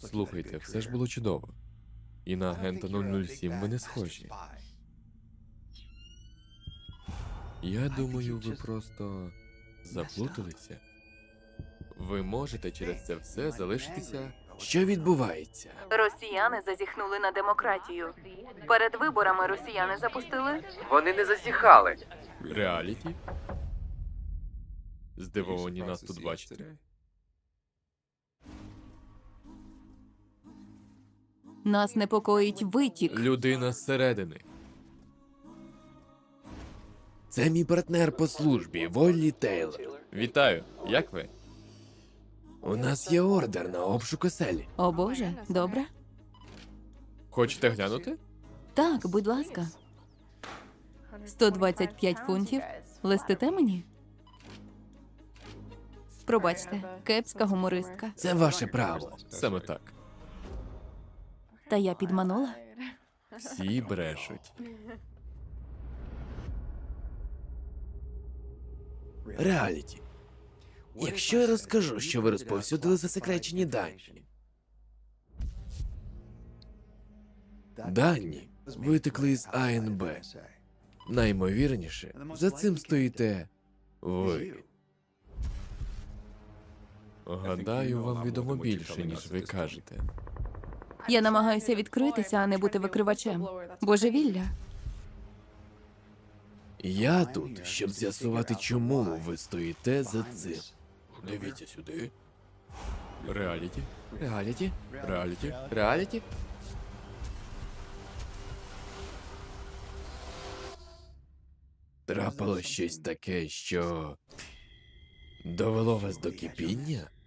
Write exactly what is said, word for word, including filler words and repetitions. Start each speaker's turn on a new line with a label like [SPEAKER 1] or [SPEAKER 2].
[SPEAKER 1] Слухайте, все ж було чудово. І на агента нуль нуль сім ви не схожі. Я думаю, ви просто заплуталися. Ви можете через це все залишитися. Що відбувається?
[SPEAKER 2] Росіяни зазіхнули на демократію. Перед виборами росіяни запустили
[SPEAKER 3] Вони не засіхали.
[SPEAKER 1] Реаліті? Здивовані нас тут бачити.
[SPEAKER 2] нас непокоїть витік.
[SPEAKER 1] Людина зсередини.
[SPEAKER 4] Це мій партнер по службі, Воллі Тейлор.
[SPEAKER 1] Вітаю, як ви?
[SPEAKER 4] У нас є ордер на обшук оселі.
[SPEAKER 2] О Боже, добре?
[SPEAKER 1] Хочете глянути?
[SPEAKER 2] Так, будь ласка. сто двадцять п'ять фунтів. Листите мені? Пробачте, кепська гумористка.
[SPEAKER 4] Це ваше право.
[SPEAKER 1] Саме так.
[SPEAKER 2] Та я підманула.
[SPEAKER 1] Всі брешуть.
[SPEAKER 4] Реаліті. Якщо я розкажу, що ви розповсюдили засекречені дані. Дані витекли з А Н Б. Наймовірніше, за цим стоїте ви.
[SPEAKER 1] Гадаю, вам відомо більше, ніж ви кажете.
[SPEAKER 2] Я намагаюся відкритися, а не бути викривачем. Божевілля.
[SPEAKER 4] Я тут, щоб з'ясувати, чому ви стоїте за цим.
[SPEAKER 1] Дивіться сюди. Реаліті?
[SPEAKER 4] Реаліті?
[SPEAKER 1] Реаліті?
[SPEAKER 4] Реаліті? Трапилось щось таке, що довело вас до кипіння?